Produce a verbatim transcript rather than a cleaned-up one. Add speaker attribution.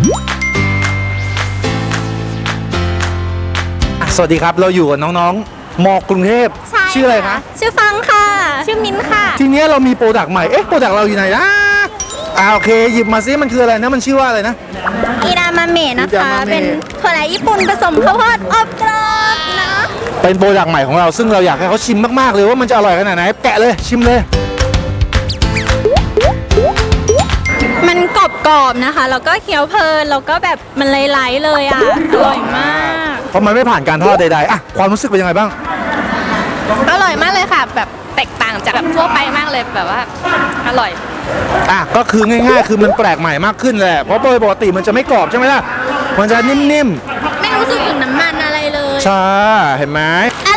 Speaker 1: สวัสดีครับเราอยู่กับน้องๆมกรุงเทพชื่ออะไรคะ
Speaker 2: ชื่อฟังค่ะชื่อมิ้นค่ะ
Speaker 1: ทีนี้เรามีโปรดักต์ใหม่เอ๊ะโปรดักต์เราอยู่ไหนนะอ่าโอเคหยิบมาซิมันคืออะไรนะมันชื่อว่าอะไรนะ
Speaker 2: อีดามาเมะนะ
Speaker 1: อีดา
Speaker 2: คะ
Speaker 1: มาเมะ
Speaker 2: เป็นถั่วไหลญี่ปุ่นผสมข้าวโพดอบกรอบนะ
Speaker 1: เป็นโปรดักต์ใหม่ของเราซึ่งเราอยากให้เขาชิมมากๆเลยว่ามันจะอร่อยขนาดไหนแกะเลยชิมเลย
Speaker 2: มันกรอบๆนะคะแล้วก็เคี้ยวเพลินแล้วก็แบบมันไหลๆเลยอ่ะอร่อยมาก
Speaker 1: เพราะมันไม่ผ่านการทอดใดๆอ่ะความรู้สึกเป็นยังไงบ้าง
Speaker 2: อร่อยมากเลยค่ะแบบแตกต่างจากแบบทั่วไปมากเลยแบบว่าอร่อย
Speaker 1: อ่ะก็คือง่ายๆ คือมันแปลกใหม่มากขึ้นแหละเพราะโดยปกติมันจะไม่กรอบใช่ไหมล่ะมันจะนิ่ม
Speaker 2: ไม่รู้สึกถึงน้ำมันอะไรเลย
Speaker 1: ๆใช่เห็นไหม
Speaker 2: อ